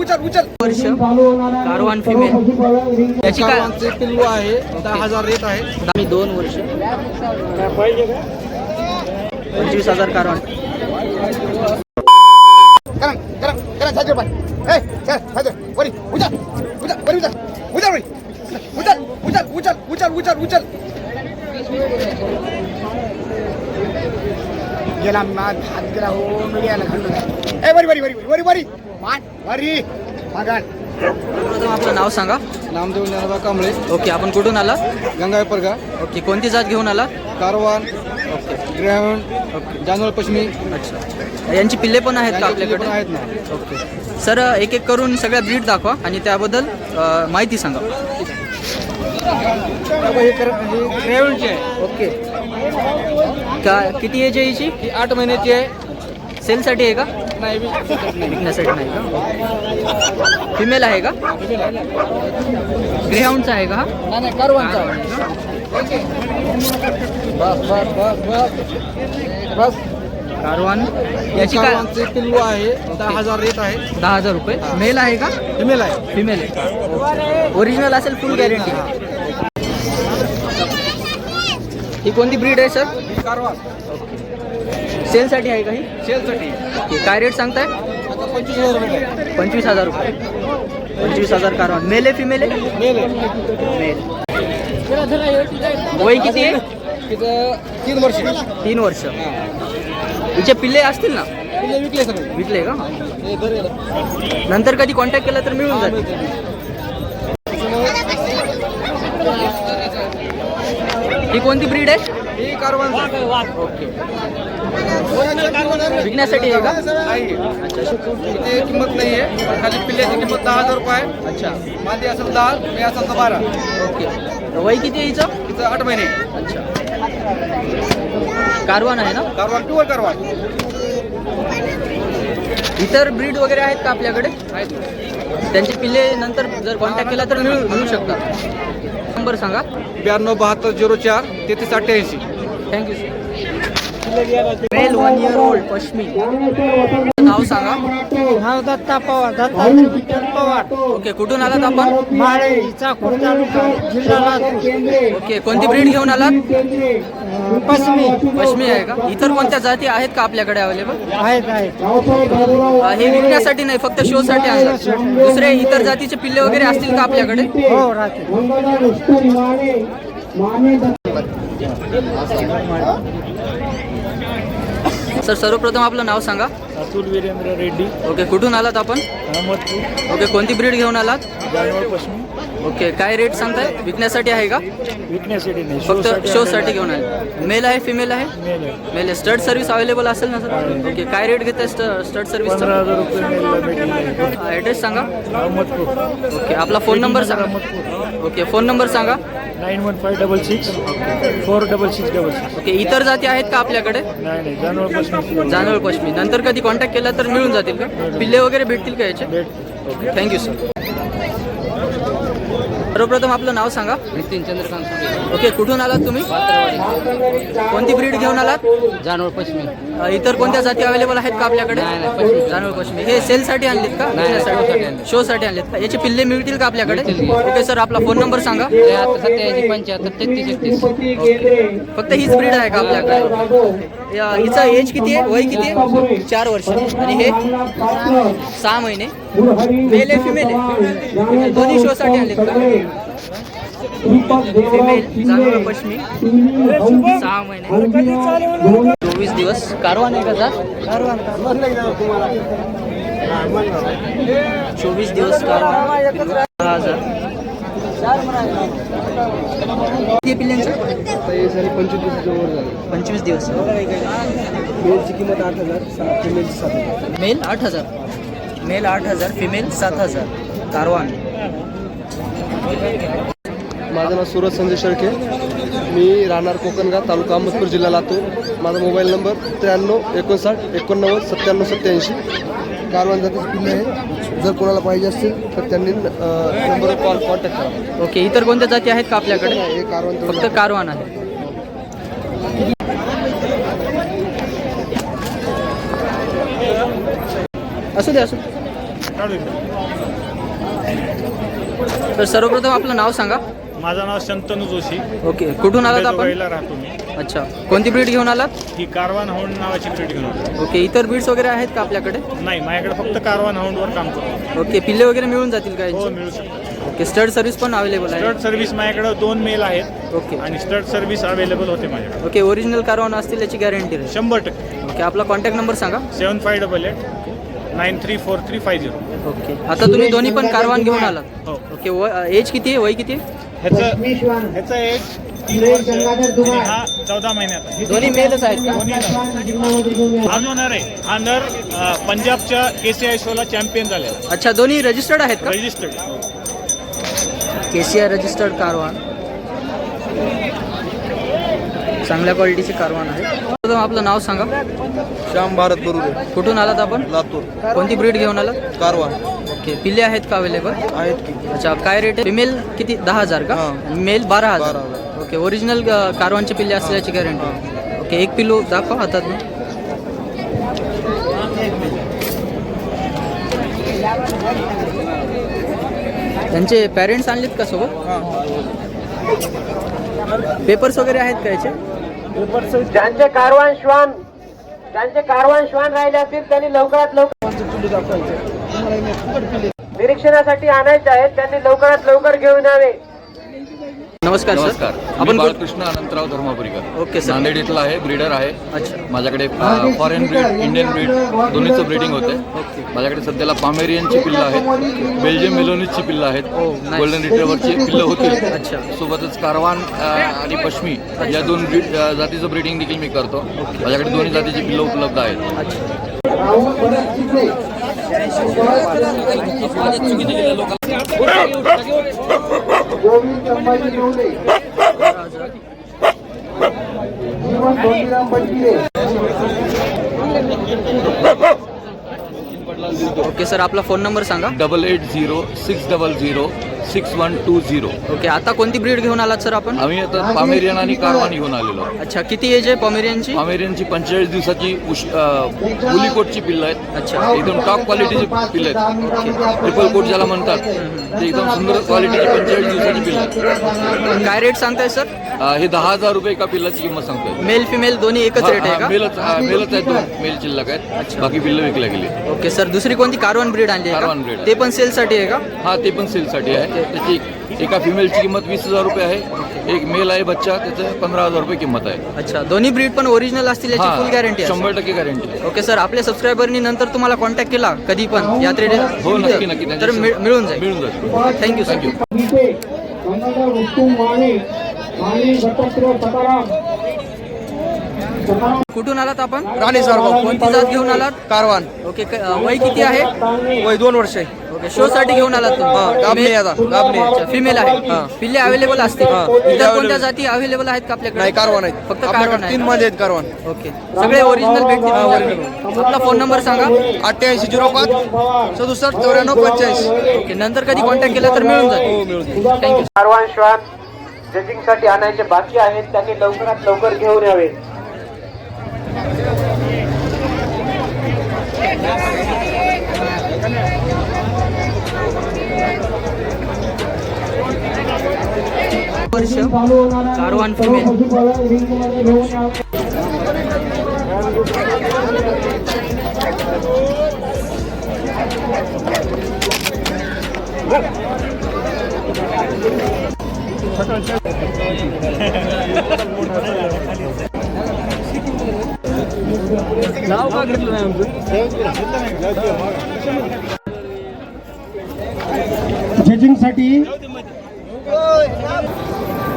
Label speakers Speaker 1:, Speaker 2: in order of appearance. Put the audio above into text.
Speaker 1: वर्ष कारवान फिमेल याची काय
Speaker 2: पिल्लू आहे 10,000 रेट आहे.
Speaker 1: आम्ही 2 वर्ष 25,000 कारवान.
Speaker 2: गेला नाद हात गेला हो मीडियाला घालून. ए वरी वरी वरी वरी वरी मान वरी मागान.
Speaker 1: प्रथम आपलं नाव सांगा.
Speaker 2: नामदेव ज्ञानोबा कांबळे.
Speaker 1: ओके, आपण कुठून आला?
Speaker 2: गंगावेपरगा.
Speaker 1: ओके, कोणती जात घेऊन आला?
Speaker 2: कारवान,
Speaker 1: ओके
Speaker 2: ग्रेहाउंड,
Speaker 1: ओके,
Speaker 2: जानवळ पश्चिमी.
Speaker 1: अच्छा. यांची पिल्ले पण आहेत का आपल्याकडे?
Speaker 2: आहेत ना.
Speaker 1: ओके सर, एक एक करून सगळ्या ब्रीड दाखवा आणि त्याबद्दल माहिती सांगा.
Speaker 2: हे ग्रेहाउंडची आहे.
Speaker 1: ओके, का किती एज आहे याची?
Speaker 2: ही 8 महिन्याची आहे.
Speaker 1: सेलसाठी आहे का?
Speaker 2: नाही
Speaker 1: विकण्यासाठी नाही का? फिमेल आहे का? ग्रेहाउंडचा आहे का? हा
Speaker 2: नाही कारवानचा. बस बस बस बस बस.
Speaker 1: कारवान याची काय?
Speaker 2: कारवानचे पिल्लू आहे 10,000 रेट आहे.
Speaker 1: 10,000 रुपये. मेल आहे का?
Speaker 2: फिमेल आहे.
Speaker 1: फिमेल आहे. ओरिजिनल असेल, फुल गॅरंटी. ही कोणती ब्रीड आहे सर?
Speaker 2: कारवान
Speaker 1: सेलसाठी आहे का ही?
Speaker 2: सेलसाठी.
Speaker 1: ओके, काय रेट सांगताय?
Speaker 2: आता 25,000 रुपये आहे.
Speaker 1: 25,000 रुपये. 25,000 कारवान. मेल आहे फिमेल आहे?
Speaker 2: मेल आहे.
Speaker 1: मेल. वय किती आहे?
Speaker 2: तिथं 3 वर्ष.
Speaker 1: 3 वर्ष. हिचे पिल्ले असतील ना?
Speaker 2: पिल्ले विकले सगळे.
Speaker 1: विकले का?
Speaker 2: हे धरेल.
Speaker 1: नंतर कधी कॉन्टॅक्ट केला तर मिळून जाईल. ही कोणती ब्रीड आहे?
Speaker 2: ही कारवान.
Speaker 1: ओके, विकण्यासाठी आहे का?
Speaker 2: नाही. इथे किंमत नाही आहे. खाली पिल्ल्याची किंमत 10,000 रुपये आहे.
Speaker 1: अच्छा.
Speaker 2: मादी असेल 10, मी असेल 12.
Speaker 1: ओके, वय किती आहे हिचं?
Speaker 2: तिथं 8 महिने.
Speaker 1: अच्छा. कारवान आहे ना?
Speaker 2: Caravan pure caravan.
Speaker 1: इतर ब्रीड वगैरे आहेत का आपल्याकडे?
Speaker 2: आहेत.
Speaker 1: त्यांचे पिल्ले नंतर जर कॉन्टॅक्ट केला तर मिळू शकतात. नंबर सांगा.
Speaker 2: 92 72 04 33 88.
Speaker 1: Thank you sir. Male 1 year old Pashmi. नाव सांगा.
Speaker 3: नाव दत्ता पवार. दत्तात्रय विठ्ठल पवार.
Speaker 1: ओके, कुठून आलात आपण?
Speaker 3: माळे चाकूर तालुका जिल्हा लातूर.
Speaker 1: ओके, कोणती ब्रीड घेऊन आलात?
Speaker 3: पश्चिमी
Speaker 1: पश्मी आहे का? इतर कोणत्या जाती आहेत का आपल्याकडे अवेलेबल?
Speaker 3: आहेत आहेत.
Speaker 1: हे विकण्यासाठी नाही, फक्त शो साठी आणतात. दुसरे इतर जातीचे पिल्ले वगैरे असतील का आपल्याकडे?
Speaker 3: हो राहते.
Speaker 1: सर, सर्वप्रथम आपलं नाव सांगा.
Speaker 3: अतुल वीरेंद्र रेड्डी.
Speaker 1: ओके, कुठून आलात आपण?
Speaker 3: अहमदपूर.
Speaker 1: ओके, कोणती ब्रीड घेऊन आलात?
Speaker 3: जानवळ पश्चिमी.
Speaker 1: ओके, काय रेट सांगताय? विकण्यासाठी आहे का?
Speaker 3: विकण्यासाठी नाही,
Speaker 1: फक्त शो साठी घेऊन आले. मेल आहे फिमेल आहे?
Speaker 3: मेल आहे.
Speaker 1: मेल आहे. स्टड सर्व्हिस अवेलेबल असेल ना सर? ओके, काय रेट घेत आहे स्टड सर्व्हिस?
Speaker 3: 15,000 रुपये मेलला भेटेल.
Speaker 1: ॲड्रेस सांगा.
Speaker 3: अहमदपूर.
Speaker 1: ओके, आपला फोन नंबर सांगा.
Speaker 3: अहमदपूर.
Speaker 1: ओके, फोन नंबर सांगा.
Speaker 3: 9156 46666.
Speaker 1: ओके, इतर जाती आहेत का आपल्याकडे?
Speaker 3: नाही नाही, जानवळ पश्चिमी.
Speaker 1: जानवळ पश्चिमी. नंतर कधी कॉन्टॅक्ट केला तर मिळून जातील का? पिल्ले वगैरे भेटतील का याचे? Okay, thank you sir. सर्वप्रथम आपलं नाव सांगा.
Speaker 4: नितीन चंद्रकांत सुरे.
Speaker 1: ओके, कुठून आलात तुम्ही? कोणती ब्रीड घेऊन आलात?
Speaker 4: जानवळ पश्चिमी.
Speaker 1: इतर कोणत्या जाती अवेलेबल आहेत का आपल्याकडे?
Speaker 4: नाही, पश्चिमी.
Speaker 1: जानवळ पश्चिमी. हे सेलसाठी आणलेत का?
Speaker 4: नाही,
Speaker 1: विकण्यासाठी? शोसाठी आणलेत का? याचे पिल्ले मिळतील का आपल्याकडे?
Speaker 4: मिळतील.
Speaker 1: ओके सर, आपला फोन नंबर सांगा.
Speaker 4: 87 75 33 31.
Speaker 1: ओके, फक्त हीच ब्रीड आहे का आपल्याकडे? हिचा एज किती आहे? वय किती आहे? 4 वर्ष. आणि हे 6 महिने. मेल आहे फिमेल आहे? दोन्ही शोसाठी आणलेत का? फिमेल, जानवळ पश्चिमी, 6 महिने, 24 दिवस. कारवान आहे का जात? 24 दिवस कारवान. 10,000. किती पिल्ल्यांचं? 25 दिवस.
Speaker 2: मेलची किंमत 8,000, फिमेलची 7,000.
Speaker 1: मेल 8,000. Male 8,000, female 7,000. कारवान.
Speaker 2: माझं नाव सूरज संजय शेळके. मी राहणार कोकणगाव, तालुका अहमदपूर, जिल्हा लातूर. माझा मोबाईल नंबर 93 59 89 97 87. कारवान जातीचे पिल्ले आहे. जर कोणाला पाहिजे असतील तर त्यांनी नंबरवर कॉन्टॅक्ट करा.
Speaker 1: ओके, इतर कोणत्या जाती आहेत का आपल्याकडे?
Speaker 2: हे कारवान
Speaker 1: फक्त कारवान आहे. असू दे. तर सर्वप्रथम आपलं नाव सांगा.
Speaker 5: माझं नाव शंतनू जोशी.
Speaker 1: ओके, कुठून आलात आपण?
Speaker 5: दुबईला राहतो मी.
Speaker 1: अच्छा, कोणती ब्रीड घेऊन आलात?
Speaker 5: ही कारवान हाऊंड नावाची ब्रीड घेऊन आलो.
Speaker 1: ओके, इतर ब्रीड्स वगैरे आहेत का आपल्याकडे?
Speaker 5: नाही, माझ्याकडे फक्त कारवान हाऊंडवर काम करतो.
Speaker 1: ओके, पिल्ले वगैरे मिळून जातील का
Speaker 5: हो,
Speaker 1: यांची?
Speaker 5: मिळू शकतात.
Speaker 1: ओके, स्टड सर्व्हिस पण अवेलेबल आहे?
Speaker 5: स्टड सर्व्हिस माझ्याकडे 2 मेल आहेत
Speaker 1: ओके
Speaker 5: आणि स्टड सर्व्हिस अवेलेबल होते माझ्याकडे.
Speaker 1: ओके, ओरिजिनल कारवान असतील याची गॅरंटी राहील?
Speaker 5: 100%.
Speaker 1: ओके, आपला कॉन्टॅक्ट नंबर सांगा.
Speaker 5: 7588934350.
Speaker 1: ओके, आता तुम्ही दोन्ही पण कारवान घेऊन आलात?
Speaker 5: हो.
Speaker 1: ओके, एज किती आहे, वय किती आहे?
Speaker 5: ह्याचं एज 3 वर्ष आणि हा 14 महिन्याचा आहे.
Speaker 1: दोन्ही मेलच आहेत का?
Speaker 5: हा जो नर आहे, हा नर पंजाबच्या KCI शोला चॅम्पियन झालेला.
Speaker 1: अच्छा, दोन्ही रजिस्टर्ड आहेत का?
Speaker 5: रजिस्टर्ड.
Speaker 1: KCI रजिस्टर्ड कारवान, चांगल्या क्वालिटीचे कारवान आहे. प्रथम आपलं नाव सांगा.
Speaker 2: श्याम भारत बरोबर,
Speaker 1: कुठून आलात आपण?
Speaker 2: लातूर.
Speaker 1: कोणती ब्रीड घेऊन आलात?
Speaker 2: कारवान
Speaker 1: ओके, पिल्ले आहेत का अवेलेबल?
Speaker 2: आहेत की.
Speaker 1: अच्छा, काय रेट आहे? फिमेल किती? 10,000 का?
Speaker 2: हां.
Speaker 1: मेल 12,000.
Speaker 2: 12,000.
Speaker 1: ओके, ओरिजिनल कारवानचे पिल्ले असल्याची गॅरंटी. ओके, एक पिल्लू दाखवा हातात. त्यांचे पॅरेंट्स आणलेत का सोबत? पेपर्स वगैरे आहेत का याचे?
Speaker 3: ज्यांचे कारवान श्वान राहिले असतील त्यांनी लवकरात लवकर निरीक्षणासाठी आणायचे आहेत. त्यांनी लवकरात लवकर घेऊन यावे.
Speaker 1: नमस्कार सर.
Speaker 6: नमस्कार,
Speaker 1: आपण
Speaker 6: आपण बाळकृष्ण अनंतराव धर्मापुरीकर.
Speaker 1: Okay sir.
Speaker 6: नांदेड इथला आहे, ब्रीडर आहे.
Speaker 1: अच्छा,
Speaker 6: माझ्याकडे फॉरेन ब्रीड, इंडियन ब्रीड दोन्हीचं ब्रीडिंग होते. माझ्याकडे सध्याला पामेरियनची पिल्लं आहेत, बेल्जियम मेलोनीची पिल्लं आहेत, गोल्डन रिट्रीव्हरची पिल्लं होती.
Speaker 1: अच्छा.
Speaker 6: सोबतच कारवान आणि पश्मी या 2 जातीचं ब्रीडिंग देखील मी करतो. माझ्याकडे दोन्ही जातीची पिल्लं उपलब्ध आहेत.
Speaker 7: गोविंद संभाजी नवले, जीवन धोंडीराम बंटिरे.
Speaker 1: ओके सर, आपला फोन नंबर सांगा.
Speaker 6: 8806006120.
Speaker 1: ओके, आता कोणती ब्रीड घेऊन आलात सर आपण?
Speaker 6: आम्ही आता पामेरियन आणि कारवान घेऊन आलेलो.
Speaker 1: अच्छा, किती एज आहे पॉमेरियनची?
Speaker 6: पामेरियनची 45 दिवसाची बुलीकोटची पिल्लं आहेत.
Speaker 1: अच्छा.
Speaker 6: एकदम टॉप क्वालिटीची पिल्लं आहेत. ट्रिपल कोट ज्याला म्हणतात ते एकदम सुंदर क्वालिटीची 45 दिवसाची पिल्लं आहेत.
Speaker 1: काय रेट सांगताय सर?
Speaker 6: हे 10,000 रुपये एका पिल्लाची किंमत सांगतोय.
Speaker 1: मेल फिमेल दोन्ही एकच रेट आहे का?
Speaker 6: मेलच आहेत, 2 मेल शिल्लक आहेत. बाकी पिल्लं विकल्या गेली.
Speaker 1: ओके सर, दुसरी कोणती कारवान ब्रीड आणली आहे
Speaker 6: कारवान
Speaker 1: का?
Speaker 6: breed आहे.
Speaker 1: ते पण सेल साठी आहे का?
Speaker 6: हा, ते पण सेलसाठी आहे. त्याची एका फिमेलची किंमत 20,000 रुपये आहे. एक मेल आहे बच्चा, त्याचं 15,000 रुपये किंमत आहे.
Speaker 1: अच्छा, दोन्ही ब्रीड पण ओरिजिनल असतील याची फुल गॅरंटी आहे?
Speaker 6: 100% गॅरंटी.
Speaker 1: ओके सर, आपल्या सबस्क्रायबरनी नंतर तुम्हाला कॉन्टॅक्ट केला कधी पण यात्रेला?
Speaker 6: हो, नक्की नक्की.
Speaker 1: तर मिळून जाईल.
Speaker 6: मिळून जाईल.
Speaker 1: Thank you sir.
Speaker 7: गीते, गंगाधर उत्तम वाणे, वाणी दत्तात्रय सकाराम.
Speaker 1: कुठून आलात आपण?
Speaker 2: राणे सारगाव.
Speaker 1: कोणती जात घेऊन आलात?
Speaker 2: कारवान.
Speaker 1: ओके, वय किती आहे?
Speaker 2: वय 2 वर्ष आहे.
Speaker 1: ओके, शो साठी घेऊन आलात तुम्ही?
Speaker 2: गाभणी आता, गाभणी.
Speaker 1: फिमेल आहे. पिल्ले अवेलेबल असतील?
Speaker 2: हा.
Speaker 1: इतर कोणत्या जाती अवेलेबल आहेत का आपल्याकडे?
Speaker 2: नाही, कारवान आहेत.
Speaker 1: फक्त कारवान आहे
Speaker 2: 3
Speaker 1: का?
Speaker 2: मध्ये आहेत कारवान.
Speaker 1: ओके, सगळे ओरिजिनल भेटतील? आपला फोन नंबर सांगा.
Speaker 2: 8805 67 94 45.
Speaker 1: ओके, नंतर कधी कॉन्टॅक्ट केला तर मिळून जाईल. थँक्यू.
Speaker 3: कारवान श्वान जजिंगसाठी आणायचे बाकी आहेत. त्यांनी लवकरात लवकर घेऊन यावे.
Speaker 1: कारवान फिमेल. नाव का घेतलं नाही आमचं?
Speaker 7: जजिंगसाठी